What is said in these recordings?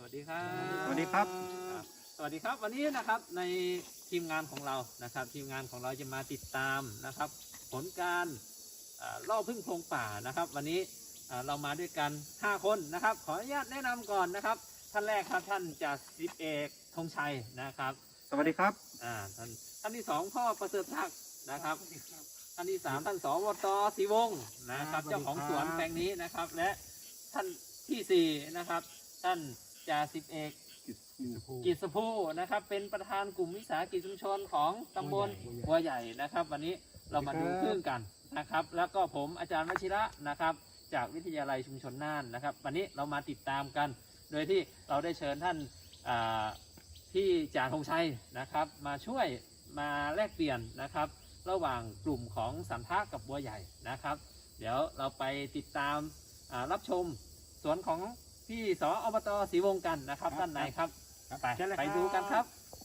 วัสดีครับสวัสดีครับสวัสดีครับวันนี้นะครับในทีมงานของเรานะครับทีมงานของเราจะมาติดตามนะครับผลการล่อพึ่งโพรงป่านะครับวันนี้เรามาด้วยกัน5คนนะครับขออนุญาตแนะนำก่อนนะครับท่านแรกครับท่านจ่าสิบเอกธงชัยนะครับสวัสดีครับท่านที่2พ่อประเสริฐศักดิ์นะครับท่านที่3ท่านสวตศรีวงศ์นะครับเจ้าของสวนแปลงนี้นะครับและท่านที่4นะครับท่านจ่าสิบเอกกิษภูนะครับเป็นประธานกลุ่มวิสาหกิจชุมชนของตำบลบัวใหญ่นะครับวันนี้เรามาดูพึ่งกันนะครับแล้วก็ผมอาจารย์วชิระนะครับจากวิทยาลัยชุมชนน่านนะครับวันนี้เรามาติดตามกันโดยที่เราได้เชิญท่านที่จ่าธงชัยนะครับมาช่วยมาแลกเปลี่ยนนะครับระหว่างกลุ่มของสันทะกับบัวใหญ่นะครับเดี๋ยวเราไปติดตามรับชมสวนของพี่สอบต.ศรีวงศ์กันนะครับด้านในครับไปดูกันครับ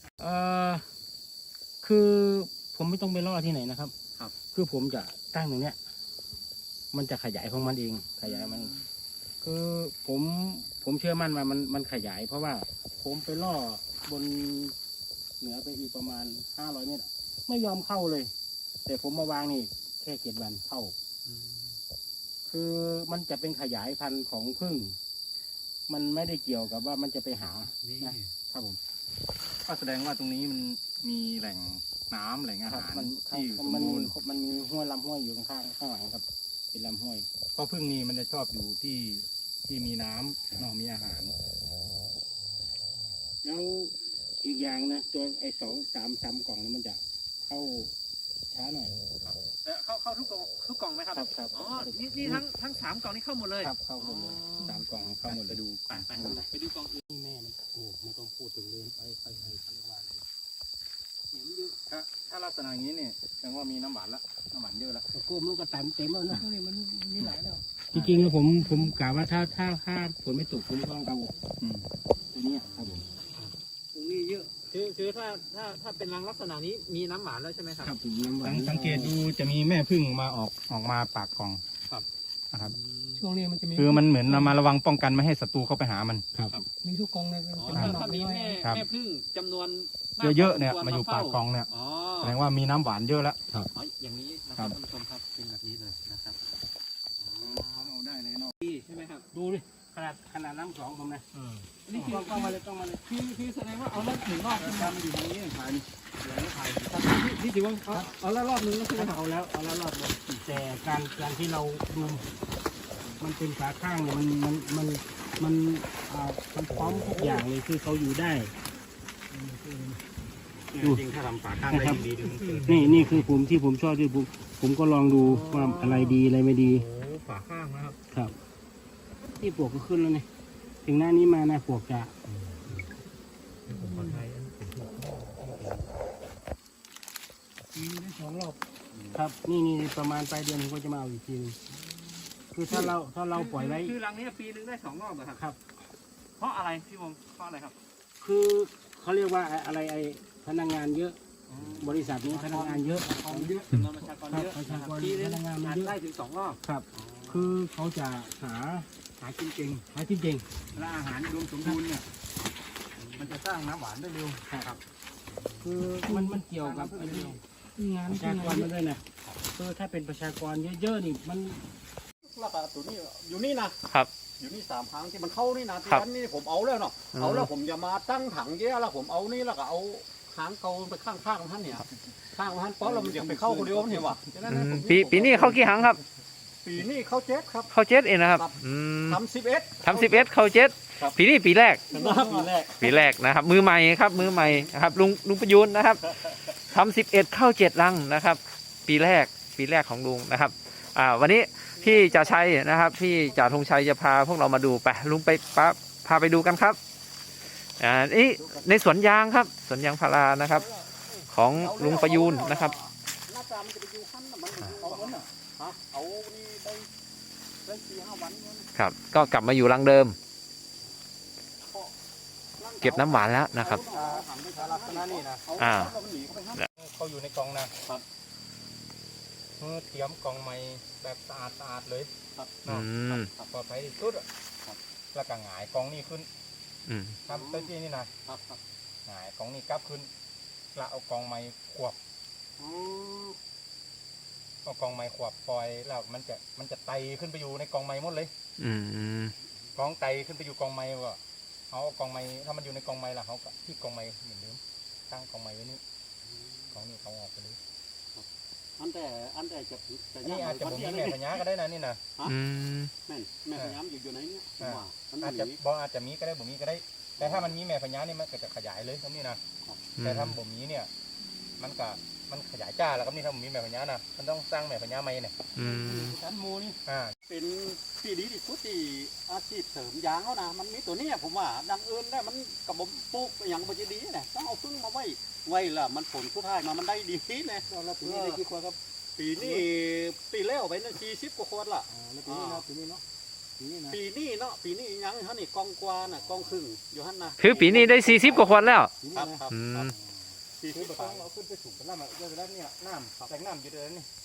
คือผมไม่ต้องไปล่อที่ไหนนะครับครับคือผมจะตั้งตรงเนี้ยมันจะขยายของมันเองขยายมันคือผมเชื่อมั่นว่ามันขยาย เพราะว่าผมไปล่อบนเหนือไปอีกประมาณ500 เมตรไม่ยอมเข้าเลย แต่ผมมาวางนี่แค่7 วันเข้าคือมันจะเป็นขยายพันธุ์ของผึ้งมันไม่ได้เกี่ยวกับว่ามันจะไปหานะครับผมก็แสดงว่าตรงนี้มันมีแหล่งน้ำแหล่งอาหารมันที่สมมันบูรณ์มันมีห้วยลำห้วยอยู่ข้างหลังครับ เป็นลำห้วยเพราะพึ่งนี่มันจะชอบอยู่ที่มีน้ำเนาะมีอาหารแล้วอีกอย่างนะตัวไอ้2-3 กล่องนั้นมันจะเข้าช้าหน่อยเข้าทุกกล่องไหมครับครับอ๋อนี่ทั้ง3กล่องนี้เข้าหมดเลยครับเข้าหมดเลย3 กล่องเข้าหมดเลยไปดูกล่องอื่นนี่แม่มันโอ้ไม่ต้องพูดถึงเลยไปเขาเรียกว่าอะไรเนี่ยมันอยู่ถ้าลักษณะอย่างนี้เนี่ยแสดงว่ามีน้ำหวานละน้ำหวานเยอะละตะโกมลูกกระตันเต็มแล้วนะนี่มันมีหลายแล้วจริงๆแล้วผมกะว่าถ้าฝนไม่ตกผมก็ต้องเอาตัวนี้ครับผมตรงนี้เยอะคือถ้าเป็นรังลักษณะนี้มีน้ำหวานแล้วใช่ไหมครับครับผมน้ำหวานสังเกตดูจะมีแม่พึ่งมาออกมาปากกล่องครับนะครับช่วงนี้มันจะมีคือมันเหมือนเรามาระวังป้องกันไม่ให้ศัตรูเข้าไปหามันครับมีทุกกองเลยอ๋อถ้ามีแม่พึ่งจำนวนมากเยอะๆเนี่ยพควรมาอยู่ปากกล่องเนี่ยอ๋อแสดงว่ามีน้ำหวานเยอะแล้วอ๋ออย่างนี้นะครับท่านผู้ชมครับเป็นแบบนี้เลยนะครับอ๋อเอาได้เลยเนาะดีใช่ไหมครับดูดิขนาดน้ำ2ผมนะนี่คือต้องมาเลยต้องมาเลยคือแสดงว่าเอาแล้วถึงรอบทำอยู่ตรงนี้ถ่ายนี่เหลือถ่ายนี่ถือว่าเอาแล้วรอบนึงแล้วใช่ไหมครับเอาแล้วรอบนึงแต่การที่เราดูมันเป็นขาข้างเนี่ยมันพร้อมทุกอย่างเลยคือเขาอยู่ได้จริงถ้าทำฝาข้างได้ดีนี่คือผมชอบที่ผมก็ลองดูว่าอะไรดีอะไรไม่ดีโอ้ฝาข้างนะครับครับที่ปลวกก็ขึ้นแล้วเนี่ยถึงหน้านี้มานะปลวกจะมีได้2 รอบครับนี่ประมาณปลายเดือนผมก็จะมาเอาอีกทีนึงคือถ้าเราปล่อยไว้คือรังนี้ปีนึงได้2 รอบเหรอครับครับเพราะอะไรพี่วงเพราะอะไรครับคือเขาเรียกว่าอะไรพนักงานเยอะบริษัทนี้พนักงานเยอะจำนวนประชากรเยอะประชากรปีนึงพนักงานมันเยอะได้ถึง2 รอบครับ คือเขาจะหาจริงและอาหารรวมสมบูรณ์เนี่ยมันจะสร้างน้ำหวานได้เร็วครับคือมันเกี่ยวกับงานประชากรมันด้วยนะคือถ้าเป็นประชากรเยอะๆนี่มันแล้วก็ตัวนี้อยู่นี่นะครับ อยู่นี่3 ครั้งที่มันเข้านี่นะที่ครับนั้นนี่ผมเอาแล้วเนาะเอาแล้วผมจะมาตั้งถังเยอะแล้วผมเอานี่แล้วก็เอาหางเกาไปข้างๆท่านเนี่ยข้างท่านเพราะเรามันจะไปเข้าคนเดียวนี่หว่าฉะนั้นผมปีนี้เข้ากี่ครั้งครับปีนี้เข้าเจ็ดครับเข้า7เองนะครับทำ11 ทำ11เข้าครับ 7ปีนี้ปีแรกปีแรกนะครับมือใหม่ครับมือใหม่นะครับลุงประยุนนะครับทำ11เข้า7รังนะครับ ปีแรกของลุงนะครับวันนี้พี่จ่าชัยนะครับพี่จ่าธงชัยจะพาพวกเรามาดูไปลุงไปพาไปดูกันครับนี่ในสวนยางครับสวนยางพารานะครับ ของลุงประยูนนะครับหน้าตามันจะไปอยู่ขั้นน่ะมันเอาวันน่ะฮะเอานี่ไปได้4-5 วันเนี่ยนะครับก็กลับมาอยู่รังเดิม เก็บน้ำหวานแล้วนะครับถังไปทาลักษณะนี่นะอ่าเอาหนีเข้าไปฮะเขาอยู่ในกล่องนะครับเตรียมกล่องใหม่แบบสะอาดเลยครับเนาะอืมปลอดภัยที่สุดอะแล้วก็หงายกล่องนี่ขึ้นอืมทำตัวที่นี่นะครับครับหงายกองนี้กลับขึ้นละเอากองไม้ขวบอ๋อเอากองไม้ขวบปล่อยแล้วมันจะไตขึ้นไปอยู่ในกองไม้หมดเลยอืมกองไตขึ้นไปอยู่กองไม้ก็เอากองไม้ถ้ามันอยู่ในกองไม้ล่ะเขาก็ที่กองไม้เหมือนเดิมตั้งกองไม้ไว้นี่กองนี้เขาออกไปเลยอันแต่จะอันนี้อาจจะบ่มีแม่พญาก็ได้นะนี่นะอืมแม่พยายามอยู่ไหนเนี่ยผมว่ามันอาจหจะนีบ่อาจจะมีก็ได้บ่มีก็ได้ แต่ถ้ามันมีแม่พญานี่มันก็จะขยายเลยตรงนี้นะแต่ถ้าบ่มีเนี่ยมันขยายจ้าแล้วก็นี่ถ้าบ่มีแม่พญานะมันต้องสร้างแม่พญาใหม่เนี่ยอืมชั้นหมูนี่อ่าเป็นที่ดีที่สุดที่อาชีพเสริมยางเขานะมันมีตัวเนี้ยผมว่าดังอื่นได้มันกับบปลูกอย่างมันจะดีเนี่ยต้องเอาพึ่งมาไว้ละมันผลสุดท้ายมามันได้ดีเนี่ยแล้วปีนี้ได้กี่ขวดครับปีนี้ปีแล้วไปนั่น40 กว่าคนละแล้วปีนี้เนาะปีนี้เนาะปีนี้นะปีนี้เนาะปีนี้ยังฮะนี่กองกวาน่ะกองครึ่งอยู่หั่นนะคือปีนี้ได้40 กว่าคนแล้วปีคนี้รับนะครับครับอืมคือ 40 ประกกอว่างเราขึ้นไปสูงกันแล้วมันก็จะได้เนี่ยน้ำแต่งน้ำอยู่เดือนนี่